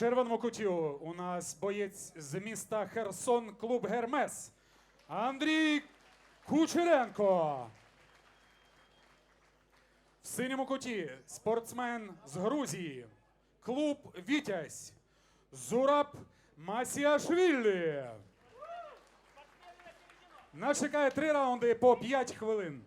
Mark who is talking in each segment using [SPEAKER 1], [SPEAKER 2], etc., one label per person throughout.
[SPEAKER 1] червоному куті у нас боєць з міста Херсон, клуб «Гермес» Андрій Кучеренко. В синьому куті спортсмен з Грузії, клуб «Вітязь» Зураб Масіашвілі. Нас чекає 3 раунди по 5 хвилин.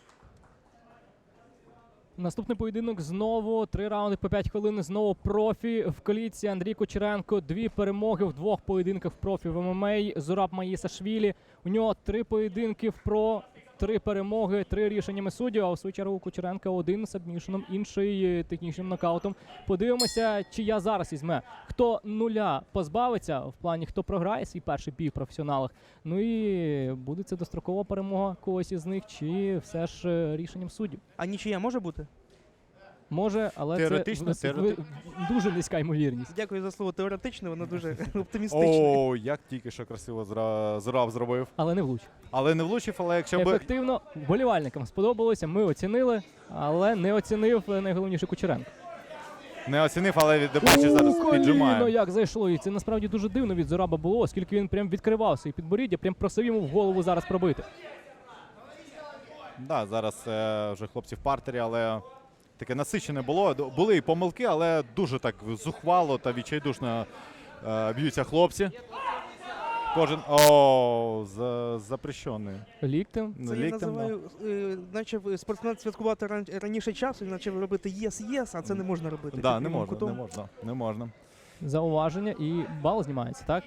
[SPEAKER 2] Наступний поєдинок знову 3 раунди по 5 хвилин. Знову профі в коліці. Андрій Кучеренко. 2 перемоги в 2 поєдинках в профі в ММА. Зураб Масіашвілі. У нього 3 поєдинки в про, 3 перемоги, 3 рішеннями суддів. А в свою чергу Кучеренка 1 сабмішеном, інший технічним нокаутом. Подивимося, чия зараз візьме. Хто нуля позбавиться, в плані хто програє свій перший бій в професіоналах. Ну і буде це дострокова перемога когось із них, чи все ж рішенням суддів.
[SPEAKER 3] А нічия може бути?
[SPEAKER 2] Може, але
[SPEAKER 4] Теоретично,
[SPEAKER 2] це дуже низька ймовірність.
[SPEAKER 3] Дякую за слово теоретично, воно дуже оптимістичне.
[SPEAKER 4] О, як тільки що красиво Зураб зробив.
[SPEAKER 2] Але не влучив.
[SPEAKER 4] Але не влучив, але якщо б...
[SPEAKER 2] Ефективно, вболівальникам сподобалося, ми оцінили, але не оцінив найголовніше Кучеренко.
[SPEAKER 4] Не оцінив, але бачиш, зараз
[SPEAKER 2] Коліно
[SPEAKER 4] піджимає.
[SPEAKER 2] як зайшло, і це насправді дуже дивно від Зураба було, оскільки він прям відкривав свої підборіддя, прям просив йому в голову зараз пробити.
[SPEAKER 4] Да, зараз вже хлопці в партері, але таке насичене було. Були і помилки, але дуже так зухвало та відчайдушно б'ються хлопці. Кожен... О, запрещений.
[SPEAKER 2] Ліктем.
[SPEAKER 3] Це я називаю, наче спортсмен святкувати раніше часу, наче робити єс-єс, а це не можна робити.
[SPEAKER 4] Да, не можна.
[SPEAKER 2] Зауваження і бал знімається, так?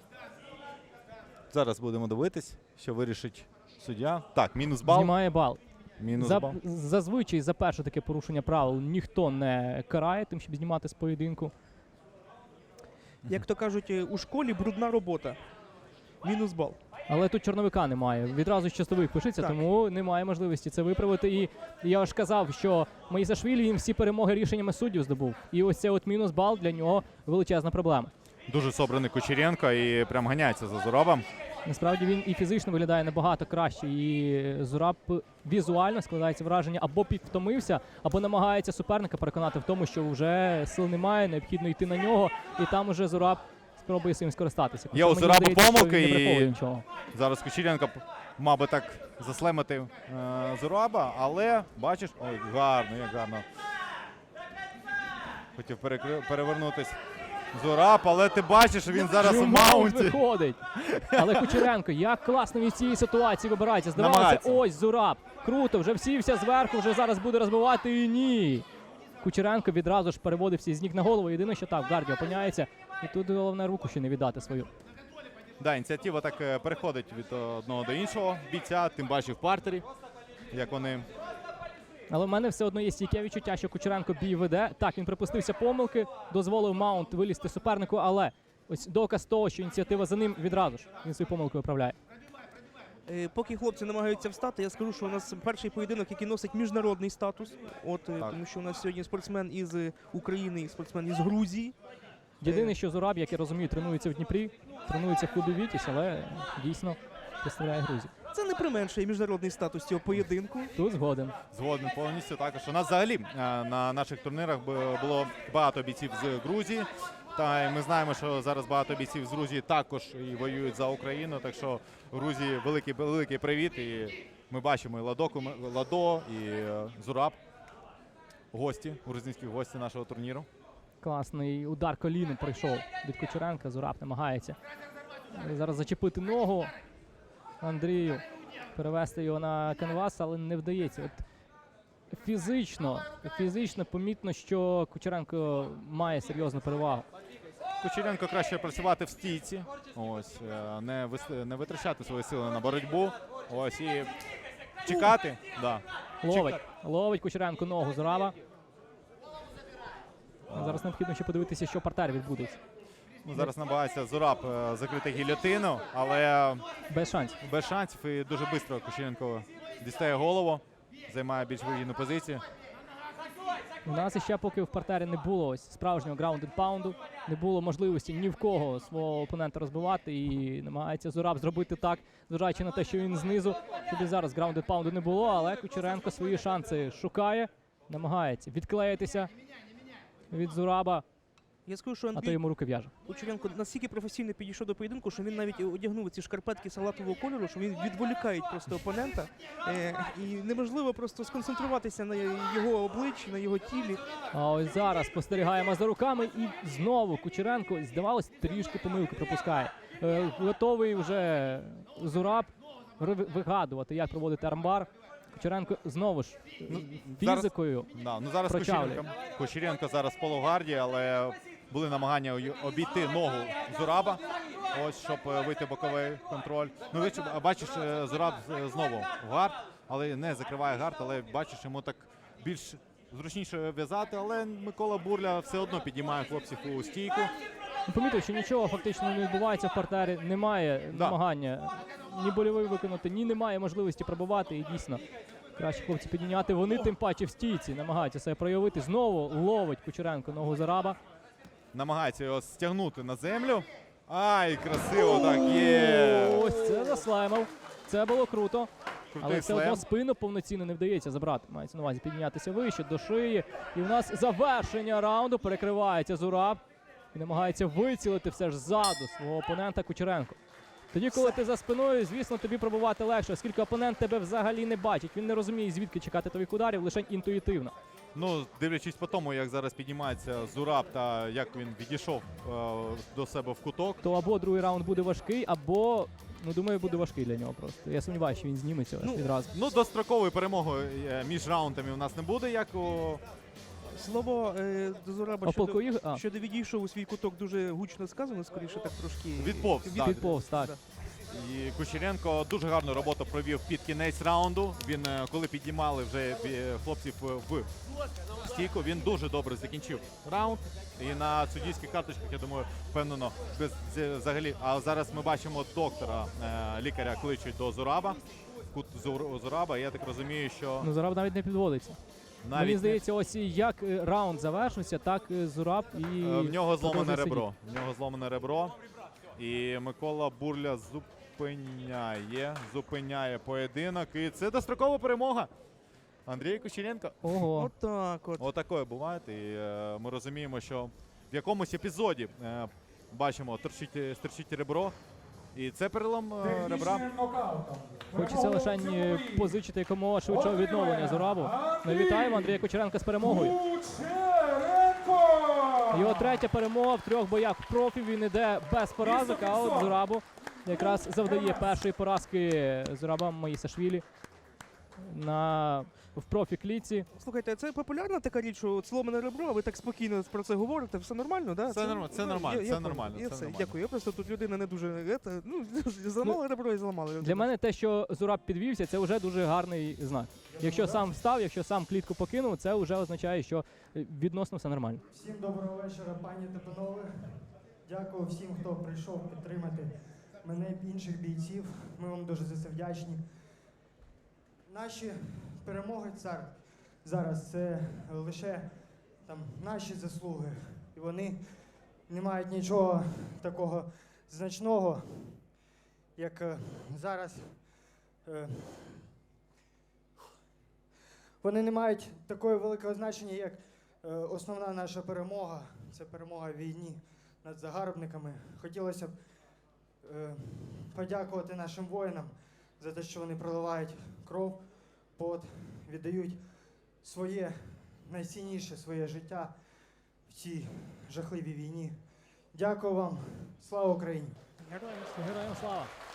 [SPEAKER 4] Зараз будемо дивитись, що вирішить суддя. Так, мінус бал.
[SPEAKER 2] Знімає бал.
[SPEAKER 4] Мінус бал.
[SPEAKER 2] Зазвичай за перше таке порушення правил ніхто не карає тим, щоб знімати з поєдинку.
[SPEAKER 3] Як то кажуть, у школі брудна робота. Мінус бал.
[SPEAKER 2] Але тут чорновика немає. Відразу щастовик пишеться,
[SPEAKER 3] Так.
[SPEAKER 2] тому немає можливості це виправити. І я ж казав, що Масіашвілі їм всі перемоги рішеннями суддів здобув. І ось цей от мінус бал для нього величезна проблема.
[SPEAKER 4] Дуже собраний Кучеренко і прям ганяється за Зурабом.
[SPEAKER 2] Насправді він і фізично виглядає набагато краще, і Зураб візуально складається враження, або підвтомився, або намагається суперника переконати в тому, що вже сил немає, необхідно йти на нього, і там уже Зураб спробує цим скористатися.
[SPEAKER 4] Є у
[SPEAKER 2] Мені
[SPEAKER 4] Зураба
[SPEAKER 2] здається, що
[SPEAKER 4] помилки,
[SPEAKER 2] він не приховує
[SPEAKER 4] і
[SPEAKER 2] нічого.
[SPEAKER 4] зараз Кучеренко мав би так заслемити Зураба, але бачиш, ой, гарно, як гарно. Хотів перевернутись Зураб, але ти бачиш, що він зараз у маунті.
[SPEAKER 2] Виходить. Але Кучеренко, як класно він з цієї ситуації вибирається. Здавалося,
[SPEAKER 4] Намагається.
[SPEAKER 2] ось Зураб. Круто, вже всівся зверху, вже зараз буде розбивати, і ні. Кучеренко відразу ж переводився з ніг на голову. Єдине, що так, в гарді опиняється. І тут головне руку ще не віддати свою.
[SPEAKER 4] Да, ініціатива так переходить від одного до іншого бійця, тим бачив в партері, як вони...
[SPEAKER 2] Але в мене все одно є стійке відчуття, що Кучеренко бій веде. Так, він припустився помилки, дозволив маунт вилізти супернику, але ось доказ того, що ініціатива за ним відразу ж. Він свою помилку виправляє.
[SPEAKER 3] Поки хлопці намагаються встати, я скажу, що у нас перший поєдинок, який носить міжнародний статус. Тому що у нас сьогодні спортсмен із України і спортсмен із Грузії.
[SPEAKER 2] Єдине, що Зураб, як я розумію, тренується в Дніпрі, тренується в клубі «Вітязь», але дійсно представляє Грузію.
[SPEAKER 3] Це не применшує міжнародний статус цього поєдинку.
[SPEAKER 2] Тут згоден.
[SPEAKER 4] Згоден повністю також. У нас взагалі на наших турнірах було багато бійців з Грузії. Та й ми знаємо, що зараз багато бійців з Грузії також і воюють за Україну. Так що Грузії великий привіт. І ми бачимо і Ладо, і Зураб. Гості, грузинські гості нашого турніру.
[SPEAKER 2] Класний удар коліном прийшов від Кучеренка. Зураб намагається зараз зачепити ногу Андрію, перевести його на канвас, але не вдається. От фізично помітно, що Кучеренко має серйозну перевагу.
[SPEAKER 4] Кучеренко краще працювати в стійці, ось, не витрачати свої сили на боротьбу, ось, і чекати. Да.
[SPEAKER 2] Ловить Кучеренко ногу Зураба. Зараз необхідно ще подивитися, що в партері відбудеться.
[SPEAKER 4] Зараз намагається Зураб закрити гільйотину, але
[SPEAKER 2] Без
[SPEAKER 4] шансів і дуже швидко Кучеренко дістає голову, займає більш вигідну позицію.
[SPEAKER 2] У нас іще поки в партері не було ось справжнього граунд-н-паунду, не було можливості ні в кого свого опонента розбивати, і намагається Зураб зробити так, зважаючи на те, що він знизу, щоб і зараз граунд-н-паунду не було, але Кучеренко свої шанси шукає, намагається відклеїтися від Зураба.
[SPEAKER 3] Я скажу, що
[SPEAKER 2] а то
[SPEAKER 3] Андрій
[SPEAKER 2] йому руки в'яже.
[SPEAKER 3] Кучеренко настільки професійно підійшов до поєдинку, що він навіть одягнув ці шкарпетки салатового кольору, що він відволікають просто опонента. І неможливо просто сконцентруватися на його обличчі, на його тілі.
[SPEAKER 2] А ось зараз спостерігаємо за руками і знову Кучеренко, здавалось, трішки помилки пропускає. Готовий вже Зураб вигадувати, як проводити армбар. Кучеренко знову ж фізикою.
[SPEAKER 4] Да, ну зараз
[SPEAKER 2] Прочавлює.
[SPEAKER 4] Кучеренко зараз в полугарді, але були намагання обійти ногу Зураба, ось, щоб вийти боковий контроль. Ну, бачиш, Зураб знову в гард, але не закриває гард, але бачиш, йому так більш зручніше в'язати, але Микола Бурля все одно піднімає хлопців у стійку.
[SPEAKER 2] Помітив, що нічого фактично не відбувається в партері, немає намагання ні больовий виконати, ні немає можливості пробувати. І дійсно, краще хлопці підняти. Вони тим паче в стійці намагаються себе проявити. Знову ловить Кучеренко ногу Зураба.
[SPEAKER 4] Намагається його стягнути на землю. Ай, красиво так, є!
[SPEAKER 2] Ось це заслаймав. Це було круто.
[SPEAKER 4] Крутий
[SPEAKER 2] Але все одно
[SPEAKER 4] слем.
[SPEAKER 2] спину повноцінно не вдається забрати. Мається на увазі піднятися вище до шиї. І в нас завершення раунду. Перекривається Зураб. І намагається вицілити все ж ззаду свого опонента Кучеренко. Тоді, коли ти за спиною, звісно, тобі пробувати легше, оскільки опонент тебе взагалі не бачить. Він не розуміє, звідки чекати твоїх ударів, лише інтуїтивно.
[SPEAKER 4] Ну, дивлячись по тому, як зараз піднімається Зураб та як він відійшов до себе в куток.
[SPEAKER 2] То або другий раунд буде важкий, або, ну, думаю, буде важкий для нього просто. Я сумніваюся, що він зніметься відразу.
[SPEAKER 4] Ну, дострокової перемоги між раундами у нас не буде, як у...
[SPEAKER 3] Слово до Зураба
[SPEAKER 2] А полку Ігор?
[SPEAKER 3] щодо відійшов у свій куток дуже гучно сказано, скоріше так трошки.
[SPEAKER 4] Відповз, так.
[SPEAKER 2] Відповз, так.
[SPEAKER 3] Да.
[SPEAKER 4] І Кучеренко дуже гарну роботу провів під кінець раунду. Він, коли піднімали вже хлопців в стійку, він дуже добре закінчив раунд. І на суддівських карточках, я думаю, впевнено, взагалі. А зараз ми бачимо доктора, лікаря кличуть до Зураба, в кут Зураба. Я так розумію, що
[SPEAKER 2] Ну, Зураб навіть не підводиться.
[SPEAKER 4] навіть
[SPEAKER 2] Мені здається, ось як раунд завершився, так Зураб і
[SPEAKER 4] в нього зломане
[SPEAKER 2] продовжує
[SPEAKER 4] ребро. В нього зломане ребро. І Микола Бурля зупиняє поєдинок. І це дострокова перемога. Андрій Кучеренко.
[SPEAKER 2] Ого.
[SPEAKER 3] Отак от.
[SPEAKER 4] Отакої буває. І ми розуміємо, що в якомусь епізоді бачимо, стерчить ребро. І це перелом ребра.
[SPEAKER 1] Технічним нокаутом.
[SPEAKER 2] Хочеться лише позичити якомога швидшого відновлення Зурабу. Ми вітаємо Андрія Кучеренка з перемогою.
[SPEAKER 1] Кучеренко!
[SPEAKER 2] Його третя перемога в 3 боях в профі. Він іде без поразок, а от Зурабу якраз завдає першої поразки Зураба Маїсашвілі в профі-клітці.
[SPEAKER 3] Слухайте, це популярна така річ, що от зломане ребро, а ви так спокійно про це говорите, все нормально, да?
[SPEAKER 4] Це нормально, це нормально,
[SPEAKER 3] я
[SPEAKER 4] це нормально,
[SPEAKER 3] Я
[SPEAKER 4] це
[SPEAKER 3] все,
[SPEAKER 4] нормально.
[SPEAKER 3] дякую. Я просто тут людина не дуже, зламали ребро і зламали.
[SPEAKER 2] Для мене те, що Зураб підвівся, це вже дуже гарний знак. Якщо сам встав, якщо сам клітку покинув, це вже означає, що відносно все нормально.
[SPEAKER 5] Всім доброго вечора, пані та панове. Дякую всім, хто прийшов підтримати мене і інших бійців. Ми вам дуже за це вдячні. Наші перемоги зараз це лише там наші заслуги. І вони не мають нічого такого значного, як зараз. Вони не мають такого великого значення, як основна наша перемога. Це перемога в війні над загарбниками. Хотілося б подякувати нашим воїнам за те, що вони проливають кров, пот, віддають своє найцінніше, своє життя в цій жахливій війні. Дякую вам. Слава Україні!
[SPEAKER 2] Героям слава!